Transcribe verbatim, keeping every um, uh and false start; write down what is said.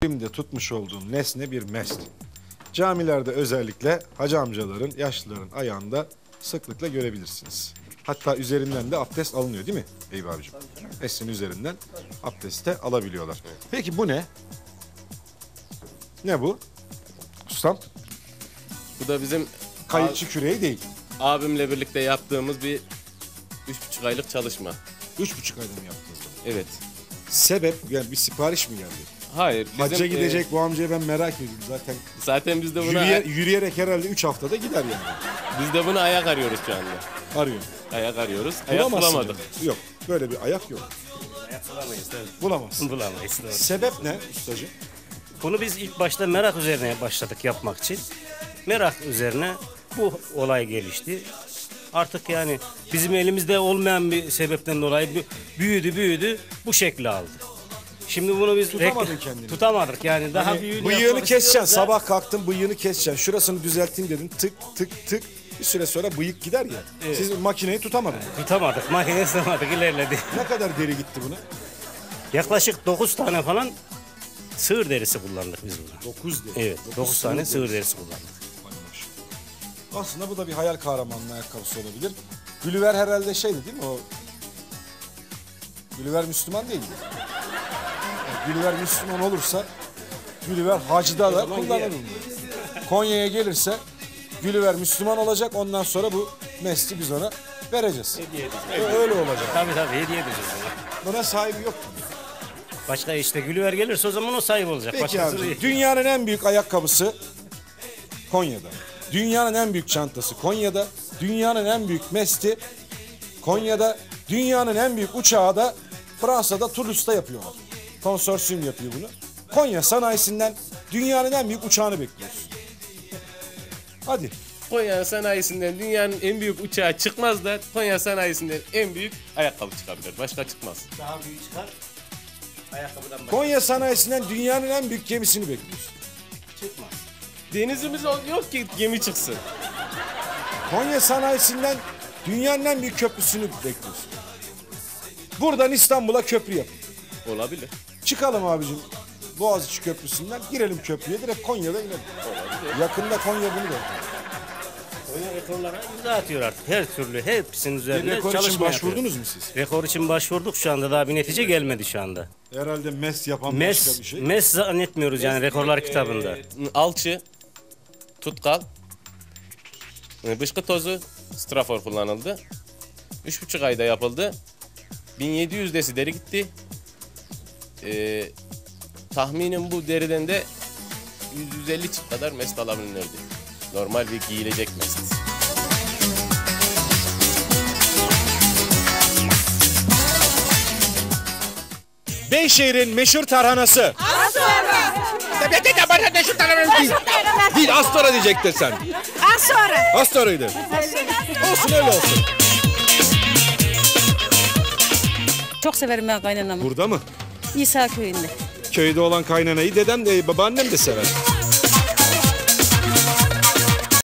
elimde tutmuş olduğum nesne bir mest. Camilerde özellikle hacı amcaların, yaşlıların ayağında sıklıkla görebilirsiniz. Hatta üzerinden de abdest alınıyor değil mi Eyüp abicim? Mesleğin üzerinden abdest de alabiliyorlar. Peki bu ne? Ne bu? Ustam? Bu da bizim Kayıkçı küreği değil. abimle birlikte yaptığımız bir üç buçuk aylık çalışma. Üç buçuk ayda mı yaptınız bunu? Evet. Sebep, yani bir sipariş mi geldi? Hayır. Bizim, Hacca e, gidecek bu amcayı ben merak ediyorum zaten. zaten biz de buna Yürüye, yürüyerek herhalde üç haftada gider yani. biz de bunu ayak arıyoruz şu anda. Arıyor. Ayak arıyoruz. Ayak Bulamazsın bulamadık. yani. Yok, böyle bir ayak yok. Ayak bulamayız tabii. Bulamazsın. Bulamayız doğru. Sebep ne ustacığım? Bunu biz ilk başta merak üzerine başladık yapmak için. Merak üzerine bu olay gelişti. Artık yani bizim elimizde olmayan bir sebepten dolayı bü- büyüdü büyüdü bu şekli aldı. Şimdi bunu biz Tutamadın rekl- kendini. Tutamadık yani daha Hani büyüğünü bıyığını yapmak keseceksin, istiyoruz da- sabah kalktın bıyığını keseceksin. Şurasını düzelteyim dedin, tık tık tık. Bir süre sonra bıyık gider ya. Evet. Siz makineyi tutamadınız. Tutamadık, makine sığmadık, ilerledi. Ne kadar deri gitti buna? Yaklaşık dokuz tane falan sığır derisi kullandık biz buna. Dokuz deri. Evet, dokuz tane sığır sığır derisi. derisi kullandık. Vay maşallah. Aslında bu da bir hayal kahramanlığı ayakkabısı olabilir. Gülüver herhalde şeydi değil mi o? Gülüver Müslüman değildi. Yani Gülüver Müslüman olursa Gülüver hacda da kullanır bunu. Konya'ya gelirse Gülüver Müslüman olacak, ondan sonra bu mesleği biz ona vereceğiz. Hediye edeceğiz. Öyle olacak. Tabii tabii hediye edeceğiz ona. Buna sahibi yok. Başka işte Gülüver gelirse o zaman o sahip olacak. Peki Başkası abi, değil. dünyanın en büyük ayakkabısı Konya'da. Dünyanın en büyük çantası Konya'da. Dünyanın en büyük mesti Konya'da. Dünyanın en büyük uçağı da Fransa'da Toulouse'da yapıyorlar. Konsorsiyum yapıyor bunu. Konya sanayisinden dünyanın en büyük uçağını bekliyoruz. Hadi. Konya sanayisinden dünyanın en büyük uçağı çıkmaz da Konya sanayisinden en büyük ayakkabı çıkabilir. Başka çıkmaz. Daha büyük çıkar. Ayakkabıdan başka Konya sanayisinden dünyanın en büyük gemisini bekliyoruz. çıkmaz. Denizimiz ol- yok ki gemi çıksın. Konya sanayisinden dünyanın en büyük köprüsünü bekliyoruz. Buradan İstanbul'a köprü yapın. Olabilir. Çıkalım abicim Boğaziçi Köprüsü'nden, girelim köprüye, direkt Konya'da inelim. Yakında Konya bunu da. Konya rekorlara imza atıyor artık. Her türlü hepsinin üzerinde Rekor çalışma için yapıyor. başvurdunuz mu siz? Rekor için başvurduk şu anda daha bir netice gelmedi şu anda. Herhalde mes yapan başka Mes, bir şey. mes zannetmiyoruz yani rekorlar kitabında. Ee, alçı, tutkal, e, bışkı tozu, strafor kullanıldı. Üç buçuk ayda yapıldı. bin yedi yüz desi deri gitti. Ee, tahminim bu deriden de yüz yüz elli çift kadar mest alabilirdi. Normal bir giyilecek mest. Beyşehir'in meşhur tarhanası. Az sonra. Değil, az sonra diyecektin sen. Az sonra. Az sonraydı. Olsun öyle olsun. Çok severim ben kaynanamı. Burada mı? İsa köyünde. Köyde olan kaynanayı dedem de babaannem de sever.